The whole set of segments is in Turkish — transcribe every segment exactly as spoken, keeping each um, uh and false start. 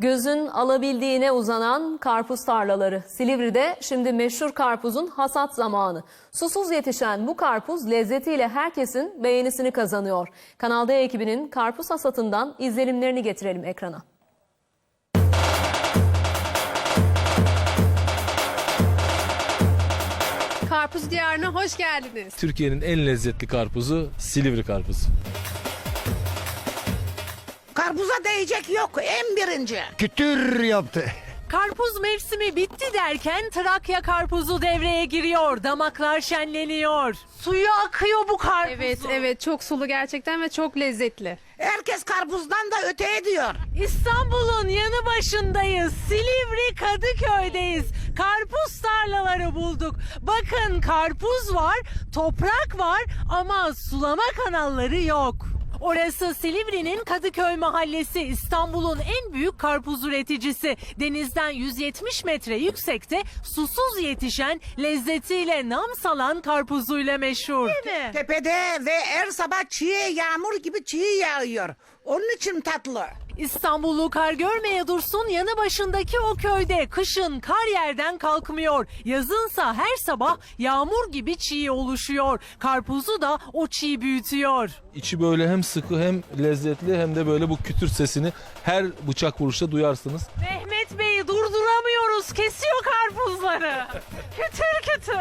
Gözün alabildiğine uzanan karpuz tarlaları. Silivri'de şimdi meşhur karpuzun hasat zamanı. Susuz yetişen bu karpuz lezzetiyle herkesin beğenisini kazanıyor. Kanal D ekibinin karpuz hasatından izlenimlerini getirelim ekrana. Karpuz diyarına hoş geldiniz. Türkiye'nin en lezzetli karpuzu Silivri karpuzu. Karpuza değecek yok, en birinci. Kütür yaptı. Karpuz mevsimi bitti derken Trakya karpuzu devreye giriyor. Damaklar şenleniyor. Suyu akıyor bu karpuzun. Evet evet çok sulu gerçekten ve çok lezzetli. Herkes karpuzdan da öte ediyor. İstanbul'un yanı başındayız. Silivri Kadıköy'deyiz. Karpuz tarlaları bulduk. Bakın karpuz var, toprak var ama sulama kanalları yok. Orası Silivri'nin Kadıköy mahallesi, İstanbul'un en büyük karpuz üreticisi. Denizden yüz yetmiş metre yüksekte susuz yetişen, lezzetiyle nam salan karpuzuyla meşhur. Değil mi? Tepede ve her sabah çiğ yağmur gibi çiğ yağıyor. Onun için tatlı. İstanbullu kar görmeye dursun yanı başındaki o köyde kışın kar yerden kalkmıyor. Yazınsa her sabah yağmur gibi çiğ oluşuyor. Karpuzu da o çiğ büyütüyor. İçi böyle hem sıkı hem lezzetli hem de böyle bu kütür sesini her bıçak vuruşta duyarsınız. Mehmet Bey'i durduramıyoruz, kesiyor karpuzları. Kütür kütür.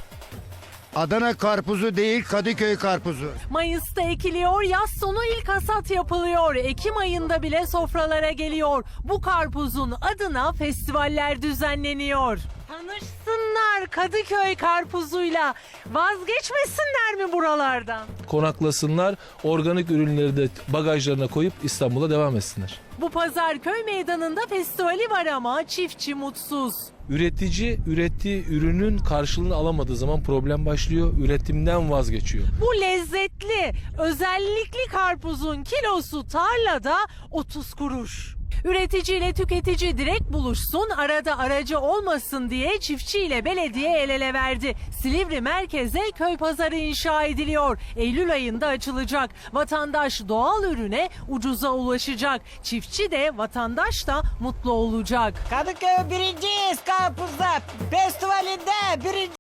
Adana karpuzu değil, Kadıköy karpuzu. Mayıs'ta ekiliyor, yaz sonu ilk hasat yapılıyor. Ekim ayında bile sofralara geliyor. Bu karpuzun adına festivaller düzenleniyor. Tanışsınlar Kadıköy karpuzuyla. Vazgeçmesinler mi buralardan? Konaklasınlar, organik ürünleri de bagajlarına koyup İstanbul'a devam etsinler. Bu pazar köy meydanında festivali var ama çiftçi mutsuz. Üretici ürettiği ürünün karşılığını alamadığı zaman problem başlıyor. Üretimden vazgeçiyor. Bu lezzetli, özellikli karpuzun kilosu tarlada otuz kuruş. Üretici ile tüketici direkt buluşsun, arada aracı olmasın diye çiftçi ile belediye el ele verdi. Silivri merkeze köy pazarı inşa ediliyor. Eylül ayında açılacak. Vatandaş doğal ürüne ucuza ulaşacak. Çiftçi de vatandaş da mutlu olacak. Kadıköy birinciyiz karpuzda. Festivalinde birinci.